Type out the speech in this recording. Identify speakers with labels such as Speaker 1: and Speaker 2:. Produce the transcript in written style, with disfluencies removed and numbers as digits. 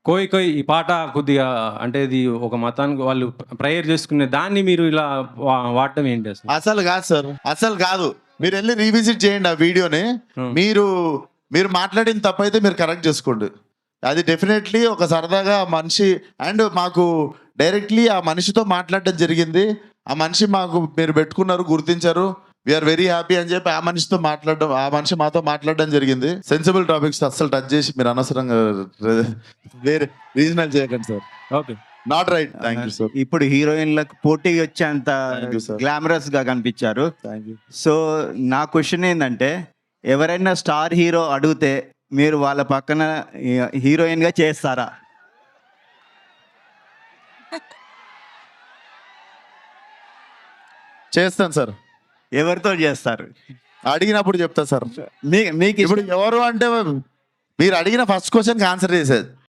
Speaker 1: కోయ్ కోయ్ ఈ పాట కొద్దిగా అంటే ఇది ఒక మతానికి వాళ్ళు ప్రేయర్ చేసుకునే దాన్ని మీరు ఇలా వాడటం ఏంటి అసలు?
Speaker 2: అసలు కాదు సార్, అసలు కాదు. మీరు వెళ్ళి రీవిజిట్ చేయండి ఆ వీడియోని. మీరు మాట్లాడిన తప్పైతే మీరు కరెక్ట్ చేసుకోండి. అది డెఫినెట్లీ ఒక సరదాగా మనిషి అండ్ మాకు డైరెక్ట్లీ ఆ మనిషితో మాట్లాడడం జరిగింది. ఆ మనిషి మాకు మీరు పెట్టుకున్నారు, గుర్తించారు, వీఆర్ వెరీ హ్యాపీ అని చెప్పి ఆ మనిషి మాతో మాట్లాడడం జరిగింది. సెన్సిబుల్ టాపిక్స్ అస్సలు టచ్ చేసి మీరు అనవసరంగా వేరే రీజనల్ చేయకండి sir.
Speaker 1: Okay,
Speaker 2: not right. Thank you sir.
Speaker 3: ఇప్పుడు హీరోయిన్లకు పోటీ వచ్చేంత
Speaker 2: Thank you, sir.
Speaker 3: గ్లామరస్ గా కనిపించారు.
Speaker 2: Thank you.
Speaker 3: సో నా క్వశ్చన్ ఏంటంటే, ఎవరైనా స్టార్ హీరో అడిగితే మీరు వాళ్ళ పక్కన హీరోయిన్ గా చేస్తారా?
Speaker 2: చేస్తాను సార్.
Speaker 3: ఎవరితో చేస్తారు?
Speaker 2: అడిగినప్పుడు చెప్తా సార్.
Speaker 3: మీకు
Speaker 2: ఇప్పుడు ఎవరు అంటే మీరు అడిగిన ఫస్ట్ క్వశ్చన్కి ఆన్సర్ చేసేది